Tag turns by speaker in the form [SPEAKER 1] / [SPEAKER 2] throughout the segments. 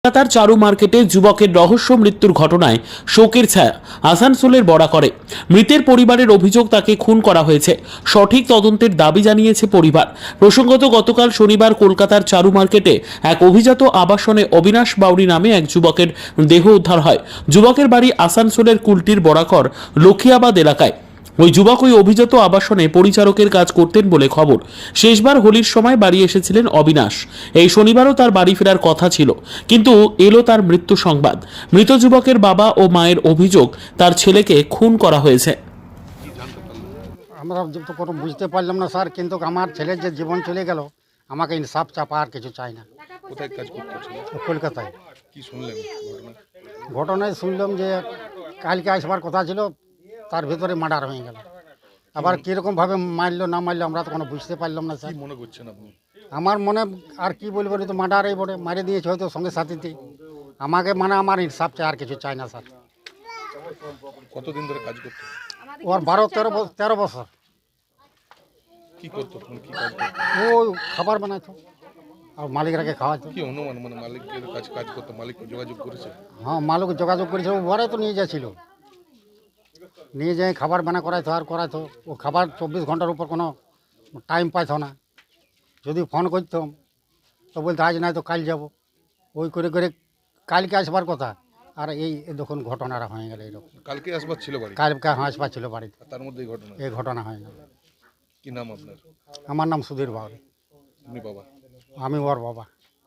[SPEAKER 1] কলকাতার চারু মার্কেটে যুবকের রহস্য মৃত্যুর ঘটনায় শোকের ছায়া আসানসোলের বড়াকরে। মৃতের পরিবারের অভিযোগ তাকে খুন করা হয়েছে। সঠিক তদন্তের দাবি জানিয়েছে পরিবার। প্রসঙ্গত গতকাল শনিবার কলকাতার চারু মার্কেটে এক অভিজাত আবাসনে অবিনাশ বাউরি নামে এক যুবকের দেহ উদ্ধার হয়। যুবকের বাড়ি আসানসোলের কুলটির বড়াকর লক্ষিয়াবাদ এলাকায়। ওই যুবক ওই অভিজাত আবাসনে পরিচারকের কাজ করতেন বলে খবর। শেষবার হোলির সময় বাড়ি এসেছিলেন অবিনাশ। এই শনিবারও তার বাড়ি ফেরার কথা ছিল, কিন্তু এলো তার মৃত্যু সংবাদ। মৃত যুবকের বাবা ও মায়ের অভিযোগ তার ছেলেকে খুন করা হয়েছে।
[SPEAKER 2] আমরা তো কোনো বুঝতে পারলাম না স্যার, কিন্তু আমার ছেলের যে জীবন চলে গেল, আমাকে ইনসাফ চাপা আর কিছু চাই না।
[SPEAKER 3] কোথায় কাজ করতে?
[SPEAKER 2] কলকাতায়।
[SPEAKER 3] কি শুনলেন
[SPEAKER 2] ঘটনায় শুনলাম যে কালকে আসবার কথা ছিল, তার ভিতরে মার্ডার হয়ে গেল। আবার কীরকমভাবে মারলো না মারলো আমরা তো কোনো বুঝতে পারলাম না স্যার।
[SPEAKER 3] কি মনে করছেন আপনি?
[SPEAKER 2] আমার মনে আর কি বলবো, তো মার্ডারই বলে মারে দিয়েছে হয়তো সঙ্গে সাথীতে। আমাকে মানে আমার ইনসাফ চাই, আর কিছু চাই না স্যার।
[SPEAKER 3] কতদিন ধরে কাজ করতে?
[SPEAKER 2] ওর 12-13 বছর।
[SPEAKER 3] কি করতো? কি কাজ করতো?
[SPEAKER 2] ও খাবার বানাইতো আর মালিকরাকে খাওয়াতো।
[SPEAKER 3] কি অনুমান, মানে মালিকের কাজ করতো? মালিক যোগাযোগ করেছে?
[SPEAKER 2] হ্যাঁ, মালিক যোগাযোগ করেছিল, ও ঘরে তো নিয়ে যাচ্ছিল, নিয়ে যাই খাবার বানা করাইতো আর করাইতো। ও খাবার 24 ঘন্টার উপর কোনো টাইম পাইতো না। যদি ফোন করতাম তো বলতো আজ নাই তো কাল যাব। ওই করে করে কালকে আসবার কথা, আর এই দেখুন ঘটনাটা হয়ে গেল এরকম।
[SPEAKER 3] কালকে আসবার ছিল বাড়ি?
[SPEAKER 2] কালকে আসবার ছিল বাড়িতে,
[SPEAKER 3] আর তার মধ্যে ঘটনা।
[SPEAKER 2] এই ঘটনা হয়ে গেল।
[SPEAKER 3] কি নাম আপনার?
[SPEAKER 2] আমার নাম সুধীর বাউরি।
[SPEAKER 3] আপনি বাবা?
[SPEAKER 2] আমি ওর বাবা।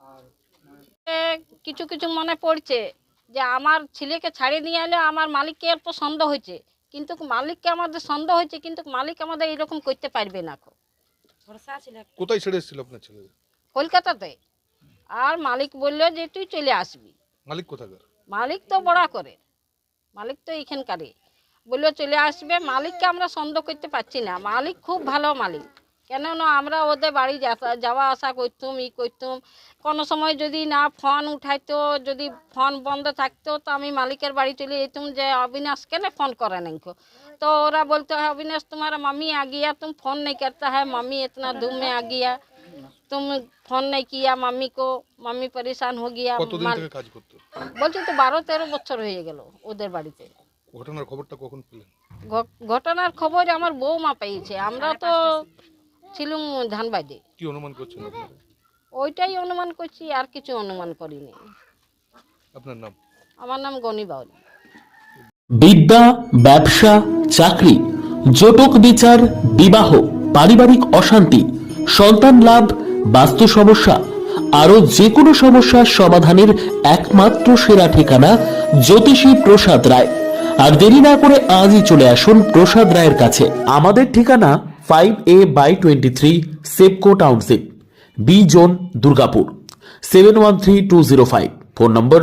[SPEAKER 4] কিছু কিছু মনে পড়ছে যে আমার ছেলেকে ছাড়িয়ে নিয়ে এলে আমার মালিককে অল্প সন্দেহ হয়েছে, কিন্তু মালিককে আমাদের সন্দেহ হয়েছে, কিন্তু মালিক আমাদের এরকম করতে পারবে না।
[SPEAKER 3] কোথায় ছেড়ে এসেছিল আপনার ছেলে?
[SPEAKER 4] কলকাতাতে। আর মালিক বললো যে তুই চলে আসবি।
[SPEAKER 3] মালিক কোথাকার?
[SPEAKER 4] মালিক তো বড়া করে, মালিক তো এইখানকারই। বললো চলে আসবে। মালিককে আমরা সন্দেহ করতে পারছি না। মালিক খুব ভালো মালিক, কেননা আমরা ওদের বাড়ি যাওয়া আসা করতুম, করতুম। কোনো সময় যদি না ফোন উঠাইতো, যদি ফোন বন্ধ থাকতো, তো আমি মালিকের বাড়ি চলে যেতুম যে अविनाश কেন ফোन करे नहीं को। तो ওরা বলতো है अविनाश तुम्हारा मम्मी आ गया, तुम फ़ोन नहीं करता है, मम्मी इतना धूम में आ गया, तुम फ़ोन नहीं किया मम्मी को, मम्मी परेशान हो गया।
[SPEAKER 3] কতদিন থেকে কাজ করতো?
[SPEAKER 4] বলছি তো 12-13 বছর হয়ে গেল ওদের বাড়িতে।
[SPEAKER 3] ঘটনার খবরটা কখন পেলেন?
[SPEAKER 4] ঘটনার খবর আমার বৌমা পেয়েছে, আমরা তো ছিলুম ধানবাদে।
[SPEAKER 3] কি অনুমান করছেন আপনারা?
[SPEAKER 4] ওইটাই অনুমান করছি, আর কিছু অনুমান করিনি।
[SPEAKER 3] আপনার নাম?
[SPEAKER 4] আমার নাম গনি বাউরি।
[SPEAKER 1] বিদ্যা, ব্যবসা, চাকরি, জটক বিচার, বিবাহ, পারিবারিক অশান্তি, সন্তান লাভ, বাস্তু সমস্যা, আরো যে কোনো সমস্যার সমাধানের একমাত্র সেরা ঠিকানা জ্যোতিষী প্রসাদ রায়। আর দেরি না করে আজই চলে আসুন প্রসাদ রায়ের কাছে। আমাদের ঠিকানা 5A/23 SEPCO township, B zone, Durgapur, 713205। Phone number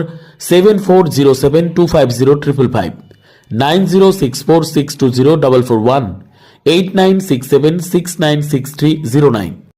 [SPEAKER 1] 7407250555, 9064620441, 8967696309।